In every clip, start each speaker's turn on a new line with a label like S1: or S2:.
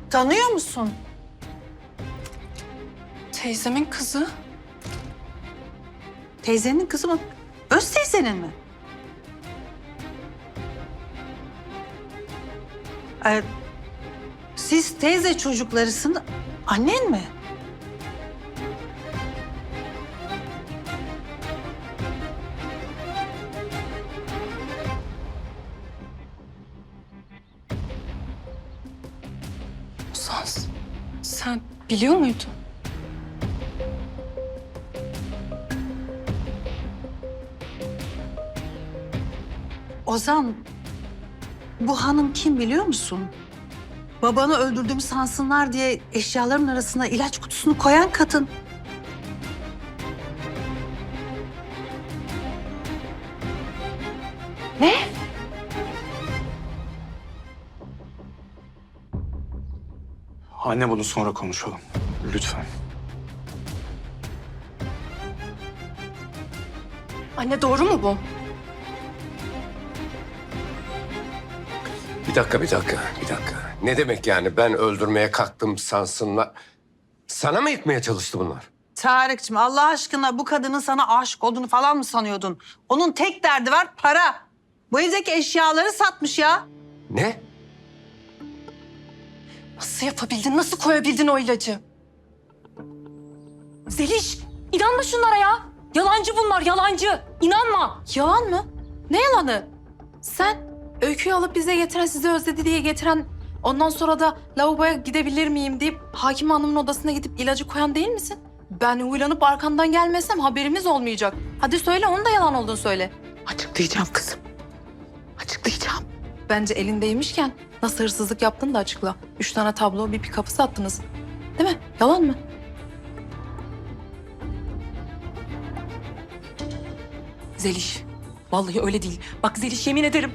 S1: Tanıyor musun?
S2: Teyzemin kızı.
S1: Teyzenin kızı mı? Öz teyzenin mi? Siz teyze çocuklarısın. Annen mi?
S2: Ozan, sen biliyor muydun?
S1: Ozan, bu hanım kim biliyor musun? Babanı öldürdüğümü sansınlar diye eşyaların arasına ilaç kutusunu koyan kadın.
S2: Ne?
S3: Anne bunu sonra konuşalım. Lütfen.
S2: Anne doğru mu bu?
S4: Bir dakika. Ne demek yani ben öldürmeye kalktım sansınlar? Sana mı yıkmaya çalıştı bunlar?
S1: Tarık'cığım Allah aşkına bu kadının sana aşık olduğunu falan mı sanıyordun? Onun tek derdi var para. Bu evdeki eşyaları satmış ya.
S4: Ne?
S2: Nasıl yapabildin, nasıl koyabildin o ilacı? Zeliş, inanma şunlara ya. Yalancı bunlar, yalancı. İnanma.
S5: Yalan mı? Ne yalanı? Sen öyküyü alıp bize getiren, sizi özledi diye getiren, ondan sonra da lavaboya gidebilir miyim deyip hakim hanımın odasına gidip ilacı koyan değil misin? Ben huylanıp arkandan gelmesem haberimiz olmayacak. Hadi söyle, onun da yalan olduğunu söyle.
S6: Açıklayacağım kızım. Açıklayacağım.
S5: Bence elindeymişken nasıl hırsızlık yaptığını da açıkla. 3 tane tablo, bir pikapı sattınız. Değil mi? Yalan mı?
S2: Zeliş, vallahi öyle değil. Bak Zeliş, yemin ederim.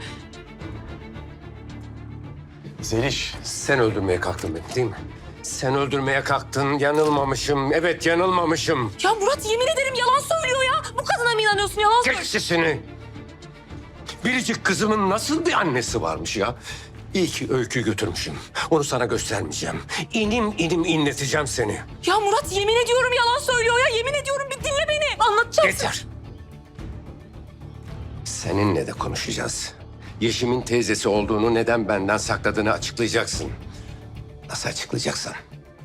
S3: Zeliş.
S4: Sen öldürmeye kalktın beni değil mi? Sen öldürmeye kalktın, yanılmamışım. Evet, yanılmamışım.
S2: Ya Murat, yemin ederim yalan söylüyor ya. Bu kadına mı inanıyorsun, yalan söylüyor?
S4: Çek sesini. Biricik kızımın nasıl bir annesi varmış ya? İyi ki öykü götürmüşüm. Onu sana göstermeyeceğim. İnim inleteceğim seni.
S2: Ya Murat, yemin ediyorum yalan söylüyor ya. Yemin ediyorum, bir dinle beni. Anlatacağım.
S4: Yeter. Seninle de konuşacağız. Yeşim'in teyzesi olduğunu neden benden sakladığını açıklayacaksın. Nasıl açıklayacaksın?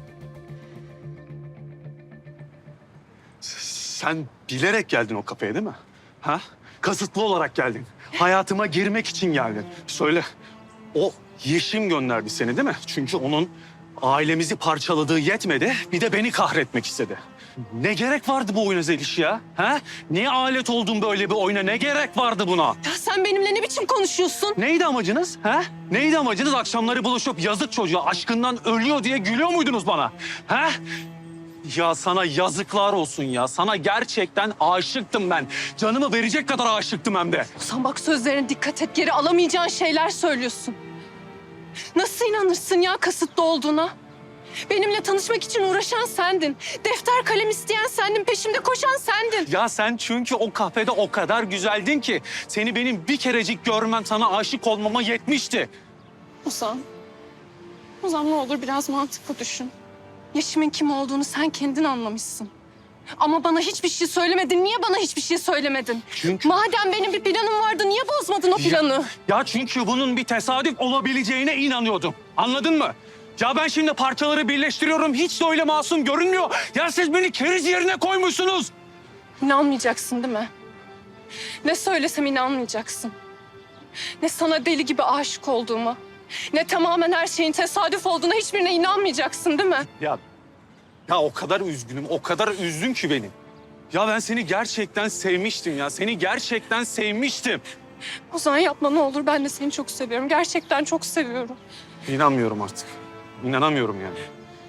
S3: Sen bilerek geldin o kafeye değil mi? Ha? Kasıtlı olarak geldin. Hayatıma girmek için geldin. Söyle. O Yeşim gönderdi seni değil mi? Çünkü onun ailemizi parçaladığı yetmedi. Bir de beni kahretmek istedi. Ne gerek vardı bu oyuna Zeliş ya? Ha? Niye alet oldun böyle bir oyuna? Ne gerek vardı buna?
S2: Ya sen benimle ne biçim konuşuyorsun?
S3: Neydi amacınız? Ha? Neydi amacınız? Akşamları buluşup yazık çocuğa aşkından ölüyor diye gülüyor muydunuz bana? Ha? Ya sana yazıklar olsun ya. Sana gerçekten aşıktım ben. Canımı verecek kadar aşıktım hem de.
S2: Sen bak, sözlerine dikkat et. Geri alamayacağın şeyler söylüyorsun. Nasıl inanırsın ya kasıtlı olduğuna? Benimle tanışmak için uğraşan sendin. Defter kalem isteyen sendin. Peşimde koşan sendin.
S3: Ya sen çünkü o kafede o kadar güzeldin ki seni benim bir kerecik görmem sana aşık olmama yetmişti.
S2: Ozan. Ozan, ne olur biraz mantıklı düşün. Yeşim'in kim olduğunu sen kendin anlamışsın. Ama bana hiçbir şey söylemedin. Niye bana hiçbir şey söylemedin?
S3: Çünkü...
S2: Madem benim bir planım vardı, niye bozmadın o planı?
S3: Ya çünkü bunun bir tesadüf olabileceğine inanıyordum. Anladın mı? Ya ben şimdi parçaları birleştiriyorum. Hiç de öyle masum görünmüyor. Ya siz beni keriz yerine koymuşsunuz.
S2: İnanmayacaksın değil mi? Ne söylesem inanmayacaksın. Ne sana deli gibi aşık olduğuma, ne tamamen her şeyin tesadüf olduğuna, hiçbirine inanmayacaksın değil mi?
S3: Ya o kadar üzgünüm, o kadar üzdün ki beni. Ya ben seni gerçekten sevmiştim ya. Seni gerçekten sevmiştim.
S2: Ozan, yapma ne olur. Ben de seni çok seviyorum. Gerçekten çok seviyorum.
S3: İnanmıyorum artık. İnanamıyorum yani.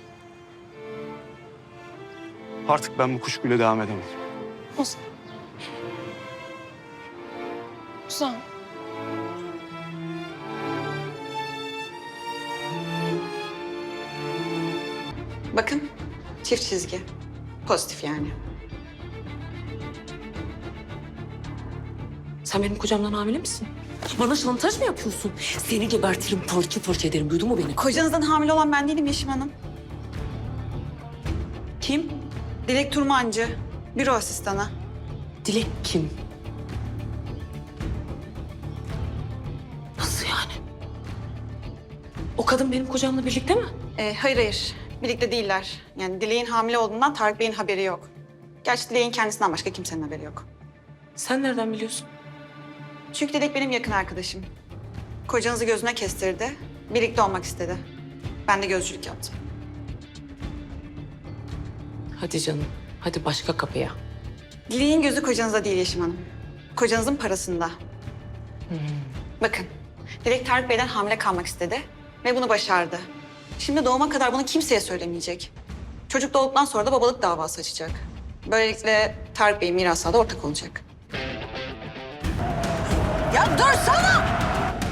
S3: Artık ben bu kuşkuyla devam edemem.
S2: Ozan. Ozan.
S6: Bakın çift çizgi. Pozitif yani. Sen benim kocamdan hamile misin?
S7: Bana şantaj mı yapıyorsun? Seni gebertirim, parça parça ederim. Duydun mu beni?
S6: Kocanızdan hamile olan ben değilim Yeşim Hanım.
S7: Kim?
S6: Dilek Turmancı, büro asistanı.
S7: Dilek kim? Nasıl yani? O kadın benim kocamla birlikte mi?
S6: Hayır. Birlikte değiller. Yani Dilek'in hamile olduğundan Tarık Bey'in haberi yok. Gerçi Dilek'in kendisinden başka kimsenin haberi yok.
S7: Sen nereden biliyorsun?
S6: Çünkü Dilek benim yakın arkadaşım. Kocanızı gözüne kestirdi. Birlikte olmak istedi. Ben de gözcülük yaptım.
S7: Hadi canım. Hadi başka kapıya.
S6: Dilek'in gözü kocanızda değil Yeşim Hanım. Kocanızın parasında. Bakın, Dilek Tarık Bey'den hamile kalmak istedi ve bunu başardı. Şimdi doğuma kadar bunu kimseye söylemeyecek. Çocuk doğduktan sonra da babalık davası açacak. Böylelikle Tarık Bey mirasa da ortak olacak.
S1: Ya dursana!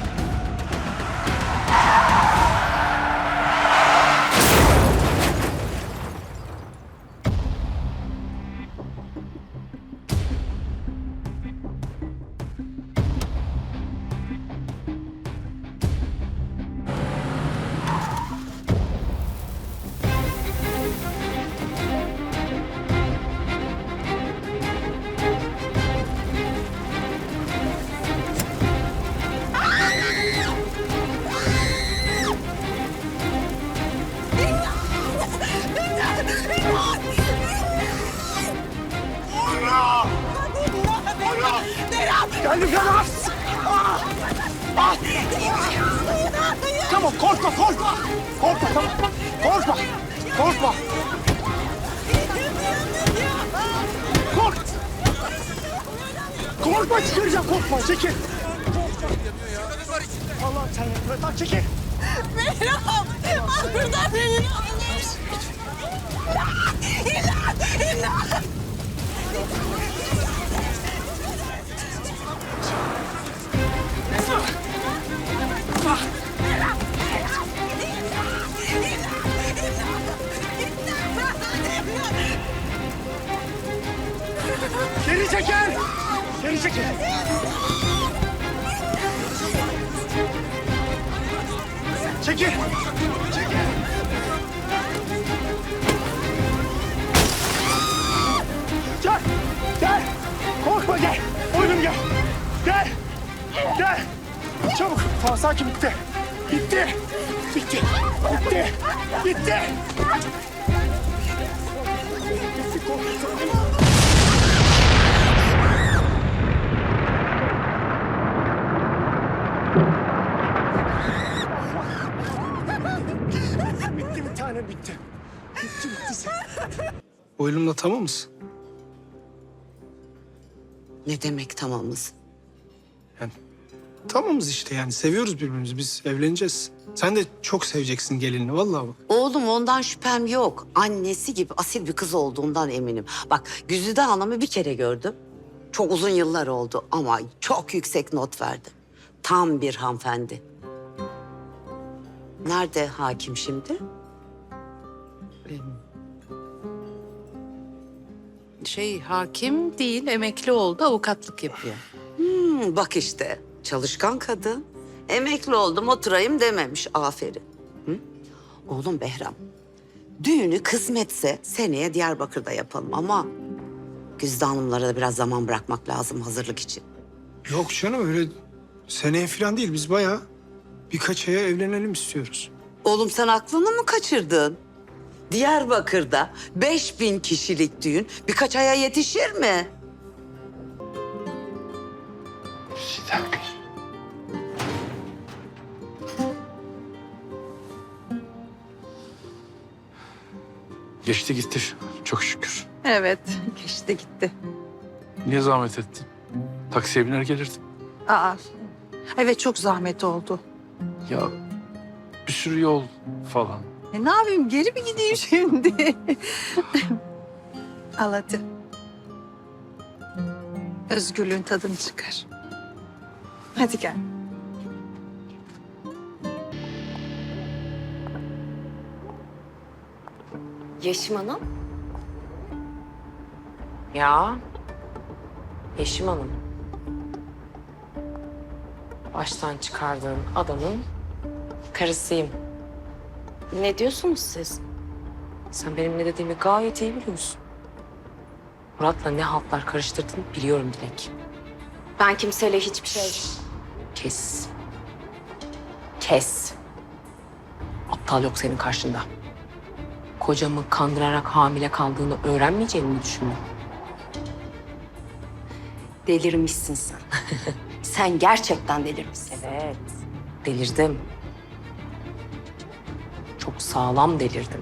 S3: Geldim yanına. Tamam korkma. Korkma tamam. Korkma. Korkma çıkaracağım korkma çekil. Allah'ım sen yardım et lan çekil. Geri çekil. Çekil. Gel. Korkma gel. Oğlum gel. Gel. Çabuk. Tamam sakin bitti. Bitti. Bitti bir tane bitti. Bitti sen.
S8: Oylumla tamam mısın?
S9: Ne demek tamamız?
S8: Tamamız işte yani seviyoruz birbirimizi. Biz evleneceğiz. Sen de çok seveceksin gelinini vallahi bak.
S9: Oğlum ondan şüphem yok. Annesi gibi asil bir kız olduğundan eminim. Bak Güzide Hanım'ı bir kere gördüm. Çok uzun yıllar oldu ama çok yüksek not verdi. Tam bir hanımefendi. Nerede hakim şimdi?
S10: Hakim değil, emekli oldu, avukatlık yapıyor.
S9: Bak işte çalışkan kadın. Emekli oldum oturayım dememiş. Aferin. Hı? Oğlum Behram, düğünü kısmetse seneye Diyarbakır'da yapalım ama Güzide Hanımlara da biraz zaman bırakmak lazım hazırlık için.
S8: Yok canım öyle seneye falan değil. Biz bayağı birkaç aya evlenelim istiyoruz.
S9: Oğlum sen aklını mı kaçırdın? Diyarbakır'da 5000 kişilik düğün birkaç aya yetişir mi?
S11: Geçti gitti çok şükür.
S1: Evet, geçti gitti.
S11: Niye zahmet ettin? Taksiye biner gelirdim.
S1: Aa, evet çok zahmet oldu.
S11: Ya bir sürü yol falan.
S1: Ne yapayım, geri mi gideyim şimdi? Al hadi. Özgürlüğün tadını çıkar. Hadi gel.
S7: Yeşim Hanım. Ya. Yeşim Hanım.
S5: baştan çıkardığın adamın karısıyım. Ne diyorsunuz siz? Sen benim ne dediğimi gayet iyi biliyorsun. Murat'la ne haltlar karıştırdığını biliyorum Dilek.
S2: Ben kimseyle hiçbir şey...
S5: Kes. Kes. Aptal yok senin karşında. Kocamı kandırarak hamile kaldığını öğrenmeyeceğini mi düşündün?
S2: Delirmişsin sen. Sen gerçekten delirmişsin.
S5: Evet. Delirdim. Çok sağlam delirdim.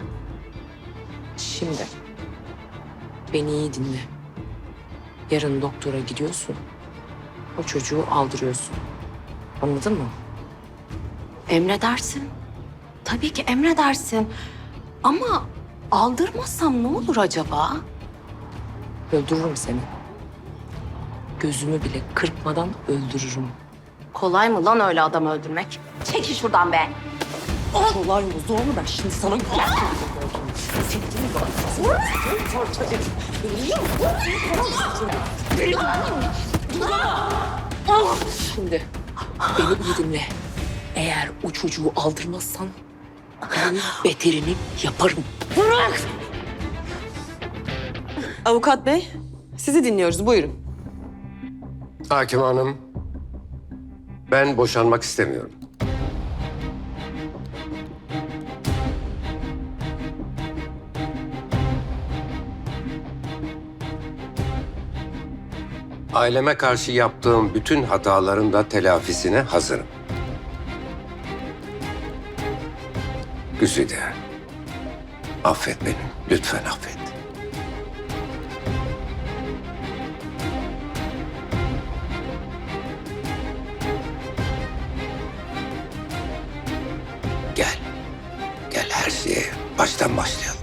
S5: Şimdi beni iyi dinle. Yarın doktora gidiyorsun. O çocuğu aldırıyorsun. Anladın mı?
S2: Emredersin. Tabii ki emredersin. Ama aldırmazsam ne olur acaba?
S5: Öldürürüm seni. Gözümü bile kırpmadan öldürürüm.
S2: Kolay mı lan öyle adam öldürmek? Çekil şuradan be.
S7: Kolay mı zor mu ben şimdi sana
S5: Şimdi beni iyi dinle. Eğer o çocuğu aldırmazsan ben beterini yaparım.
S7: Avukat bey, sizi dinliyoruz. Buyurun.
S4: Hakim Hanım, ben boşanmak istemiyorum. Aileme karşı yaptığım bütün hataların da telafisine hazırım. Güzide, affet beni. Lütfen affet. Gel. Gel her şeye baştan başlayalım.